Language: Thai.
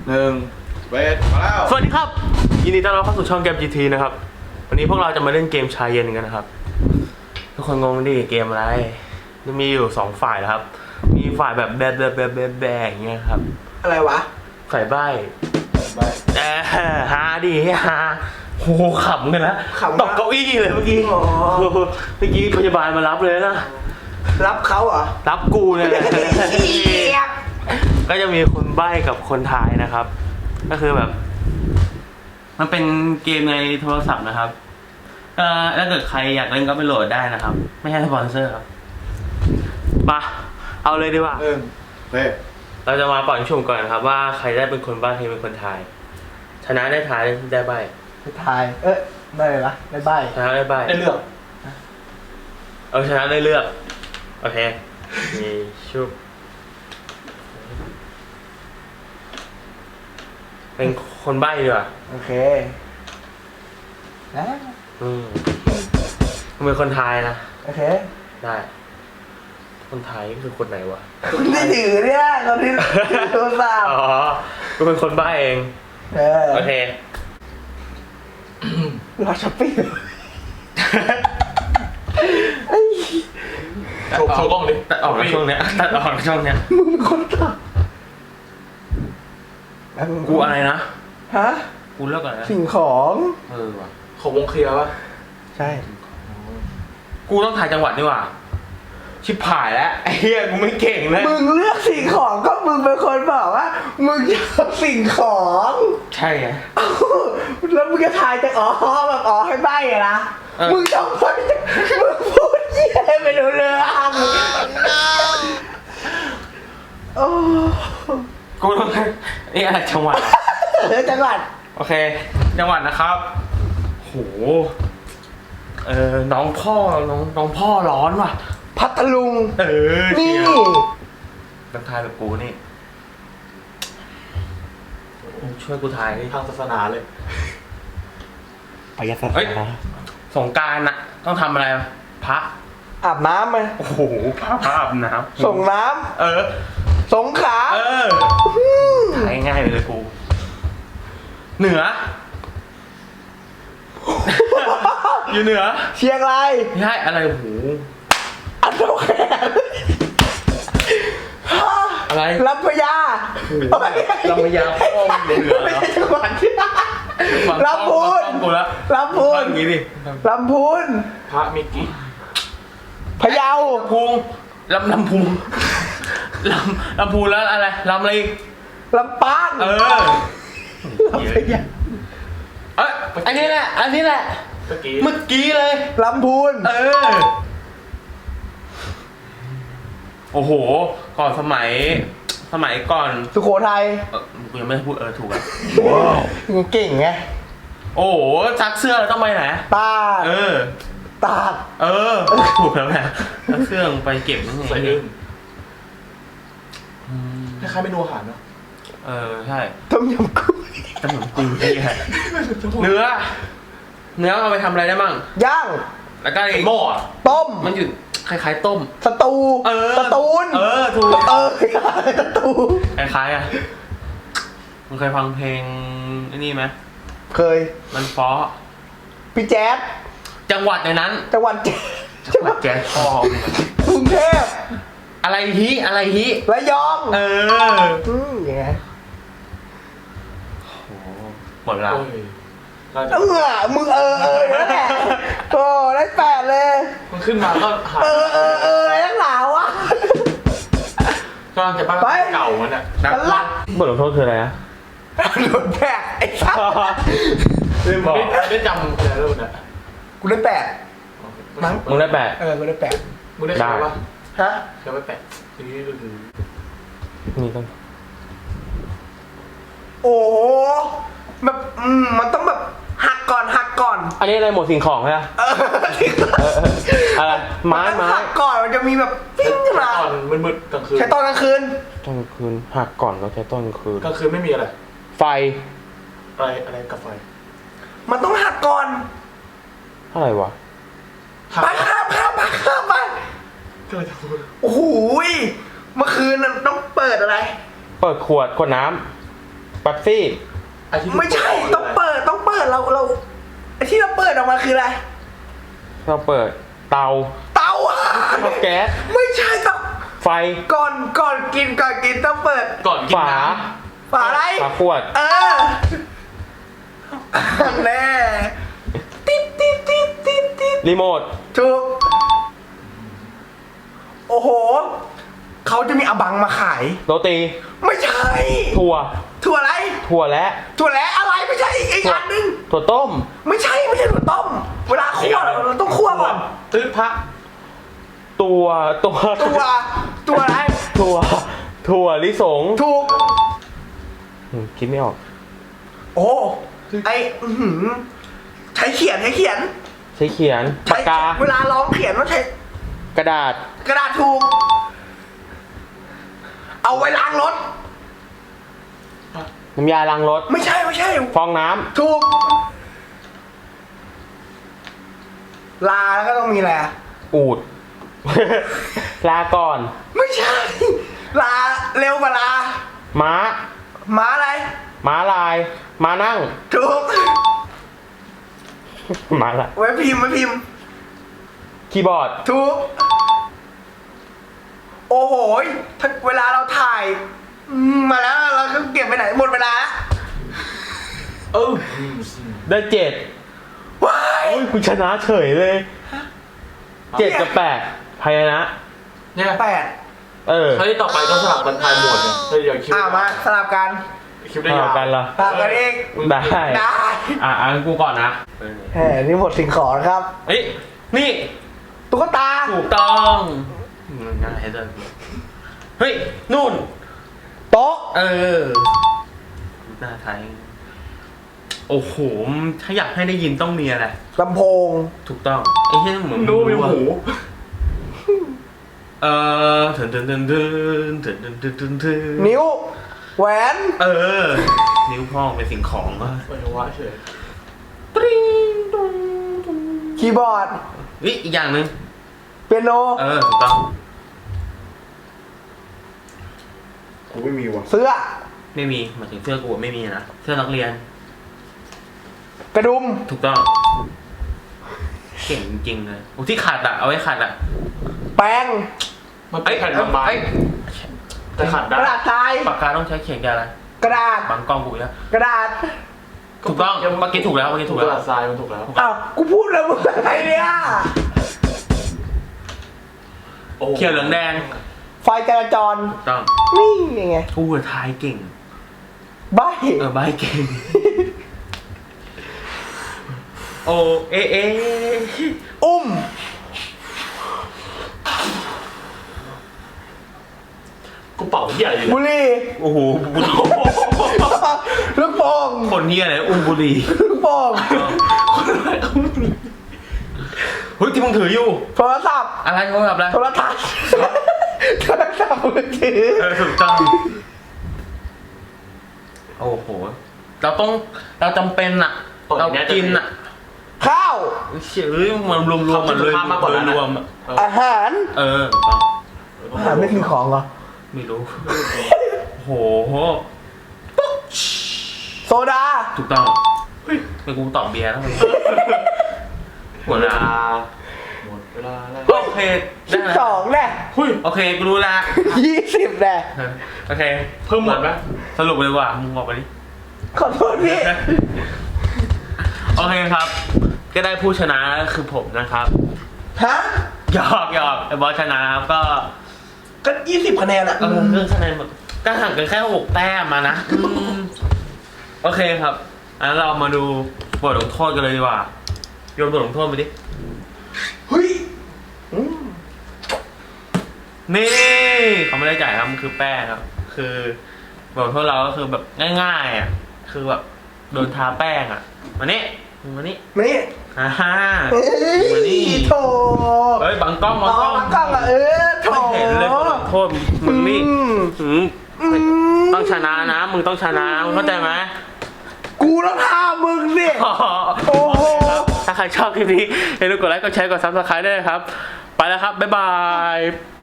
เวทมาแล้วสวัสดีครับยินดีต้อนรับเข้าสู่ช่องเกม GT นะครับวันนี้พวกเราจะมาเล่นเกมชายเย็นกันนะครับทุกคนงงดิเกมอะไรจะมีอยู่2ฝ่ายนะครับมีฝ่ายแบบแบอย่างเงี้ยครับอะไรวะฝ่ายใบ้ฮาดิฮาโหขำกันนะตกเก้าอี้เลยเมื่อกี้พยาบาลมารับเลยนะรับเขาเหรอรับกูเนี่ยก็จะมีคนใบ้กับคนทายนะครับก็คือแบบมันเป็นเกมในโทรศัพท์นะครับถ้าเกิดใครอยากเล่นก็ไปโหลดได้นะครับไม่ใช่สปอนเซอร์ครับมาเอาเลยดีกว่าเราจะมาปล่อยชุ่มก่อนนะครับว่าใครได้เป็นคนใบ้ใครเป็นคนทายชนะได้ทายได้ใบ้ได้ทายได้เลยละได้ใบ้ชนะได้ใบ้ได้เลือกชนะได้เลือกโอเคมีชุบเป็นคนใบ้ดีกว่าโอเคเป็นคนทายนะโอเคได้คนไทยคือคนไหนวะคนที่ถือเนี่ยคนที่โทรศัพท์อ๋อกูเป็นคนใบ้เองโอเครอช้อปปิ้งโชว์กล้องดิตัดออกในช่วงเนี้ยตัดออกในช่วงเนี้ยมึงเป็นคนตัดกูอะไรนะฮะกูเลิกก่อนนะสิ่งของว่ะของวงเคลียร์ป่ะใช่กูต้องถ่ายจังหวัดนี่ว่ะชิบหายแล้วไอ้เหี้ยกูไม่เก่งเลยมึงเลือกสิ่งของก็มึงเป็นคนบอกว่ามึงจะสิ่งของใช่ไงแล้วมึงจะทายจากแบบให้ใบ้อะนะมึงต้องพูดมึงพูดเหี้ยไม่รู้เรื่องโอ้กูต้องนี่อะไรจังหวัดจังหวัดโอเคจังหวัดนะครับโหน้องพ่อร้อนว่ะพัทลุงนี่ต้องทายแบบกูนี่ช่วยกูทายทางศาสนาเลยไปศาสนาสงกรานต์น่ะต้องทำอะไรพระอาบน้ำไหมโอ้โหพระอาบน้ำส่งน้ำสงขลาทายง่ายเลยกูเหนืออยู่เหนือเชียงรายใช่อะไรโอ้โหอันโตแขนอะไรลำพญาลำพญาพ่อเหนือไม่ใช่จังหวัดที่ลำพูนลำพูนอย่างนี้ดิลำพูนพระมิกิพะเยาพุงลำพุงลำพูนแล้วอะไรลำอะไรลำปางลำพญาอันนี้แหละเมื่อกี้เลยลำพูนโอ้โหก่อนสมัยก่อนสุโขทัยกูยังไม่พูดถูกอ่ะว้าวมึงเก่งไงโอ้โหซักเสื้อเราต้องไปไหนตาตาถูกแล้วแหละซักเสื้อไปเก็บใส่อึ้งคล้ายๆเมนูอาหารเนาะใช่ต้มยำกุ้งนี่ไงเนื้อเอาไปทำอะไรได้มั่งย่างแล้วก็หม้อต้มมันอยู่คล้ายๆต้มสตูนถูกสตูคล้ายๆอ่ะมึงเคยฟังเพลงไอ้นี่ไหมเคยมันฟ้อพี่แจ๊ดจังหวัดในนั้นจังหวัดแจ๊ดพ่กรุงเทพอะไรฮิระยองยังไงโอ้หมดเวลามึงนั่นแหละโอ้ได้8เลยมันขึ้นมาก็หาอะไรนักหนาวะก็จะบ้านเก่ามันอ่ะลักบทลงโทษคืออะไรนะโดนแบกไอ้สัสได้จำอะไรแล้วเนี่ยกูได้8มั้งมึงได้ 8กูได้8 มึงได้ใช่ปะฮะใช่ไหม8ทีนี้ก็คือนี่ต้องโอ้แบบมันต้องแบบหักก่อนอันนี้อะไรหมดสิ่งของใช่ไหมอะไรไม้หักก่อนมันจะมีแบบปิ้งขึ้นมาตอนมืดๆกลางคืนใช้ตอนกลางคืนหักก่อนแล้วใช้ตอนกลางคืนกลางคืนไม่มีอะไรไฟอะไรกับไฟมันต้องหักก่อนอะไรวะไปข้ามไปโอ้โหเมื่อคืนต้องเปิดอะไรเปิดขวดน้ำปั๊บซี่ไม่ใช่ต้องเปิดเราไอ้ที่เราเปิดออกมาคืออะไรเราเปิดเตาเตาเตาแก๊สไม่ใช่ต้องไฟก่อนกินต้องเปิดก่อนกินฝาน้ฝาอะไรฝาขวดแน่ติ๊ดรีโมทถูกโอ้โหเขาจะมีอบังมาขายโรตีไม่ใช่ถั่วถั่วอะไรถั่วและถั่วแล้วอะไรไม่ใช่อีกถั่วอันนึงถั่วต้มไม่ใช่ถั่วต้ม เวลาคั่วเราต้องคั่วก่อนำตื้อพระตัวตัวอะไรถั่วลิสงถูกคิดไม่ออกโอ้ไอใช้เขียนใช้เขียนปากกาเวลาร้องเขียนว่าใช้กระดาษกระดาษถูก เอาไว้ล้างรถน้ำยาล้างรถไม่ใช่ฟองน้ถูก ลาแล้วก็ต้องมีอะไรอะำอูด ลาก่อนไม่ใช่ ลาเร็วกว่าลาม้าม้าอะไรม้าลาย ม้านั่งถูกม้าละไว้พิมพ์คีย์บอร์ดถูก โอ้โหถ้าเวลาเราถ่ายมาแล้วเราก็เก็บไปไหนหมดเวลาแล้วได้7 ว้ายโอ้ยคุณชนะเฉยเลย7 กับ 8พยัญชนะเนี่ย 8 คราวที่ต่อไปก็สลับกันทายหมวดเนี่ยเดี๋ยวคิวมาสลับกันคิวได้ยาวกันเหรอสลับกันเองได้ได้งั้นกูก่อนนะนี่หมดสิ่งของครับเฮ้ย นี่ตุ๊กตาถูกต้องง่ายเลยเฮ้ย นู่นโต๊ะหน้าไทย โอ้โห ถ้าอยากให้ได้ยินต้องมีอะไรลำโพงถูกต้อง ไอ้ที่เหมือนดูมีหูเถินนิ้ว แหวนนิ้วพ่องเป็นสิ่งของก็ปัญญาวะเฉยปริ้งตุ้งตุ้งคีย์บอร์ดอีกอย่างหนึ่งเปียโนถูกต้องกูไม่มีว่ะเสื้อไม่มีหมายถึงเสื้อกูไม่มีนะ เสื้อนักเรียนกระดุมถูกต้อง เก่งจริงๆเลยที่ขัดอะเอาไว้ขัดอะแป้งมันเป็นแผ่นบางๆแต่ขัดกได้ระดาษทรายปากกาต้องใช้เขียนกับอะไรกระดาษบางกล้องกูแล้วกระดาษถูกต้องเมื่อกี้ถูกแล้วถูกแล้วทรายมันถูกแล้วอ้าว กูพูดแล้วมึงอะไรเนี่ยเขียวเหลืองแดงไฟจราจรถูกต้องนี่ยังไงกูทายเก่งใบใบเก่ง โอเออุ้มกูเป่าที่อะไรอยู่บุหรี่โอ้โหบุหรี่ลูกโป่งคนเฮียอะไรอุ้มบุหรี่ลูกโป่งเฮ้ยที่มึงถืออยู่โทรศัพท์อะไรโทรศัพท์อะไรโทรทัศน์โทรศัพท์มือถือถูกต้องโอ้โหเราจำเป็นอะเรากินอะข้าวเชื่อมันรวมๆมันเลยรวมอะอาหารถูกต้องอาหารไม่คือของเหรอไม่รู้โหโซดาถูกต้องเฮ้ยไปกูตอบเบียร์แล้วหมดเวลาหมดเวลาแล้วโอเคได้ 12แน่โอเคกูรู้ละ 20แน่โอเคเพิ่มหมดไหมสรุปเลยว่ามึงบอกไปดิขอโทษพี่โอเคครับ ก็ได้ผู้ชนะคือผมนะครับฮะหยอกไอ้บอสชนะครับก็ก็20คะแนนอะเรื่องคะแนนแบบก็ห่างกันแค่6 แต้มมานะโอเคครับงั้นเรามาดูบทลงโทษกันเลยดีกว่าโยนบทลงโทษไปดิเฮ้ยนี่เขาไม่ได้จ่ายครับมันคือแป้งครับ คือบทลงโทษเราก็คือแบบง่ายๆอ่ะคือแบบโดนทาแป้งอ่ะมานี่มานี่มานี่ฮ่าเฮ้ยมานี่โถเฮ้ยบังกล้องอ๋อบังกล้องอะโถไม่เห็นเลยบทลงโทษมึงนี่ต้องชนะนะมึงต้องชนะมึงเข้าใจไหมกูต้องท่ามึงสิ โอ้โหถ้าใครชอบคลิปนี้อย่าลืมกดไลค์ กดแชร์ กด Subscribe ด้วยนะครับ ไปแล้วครับ บ๊ายบาย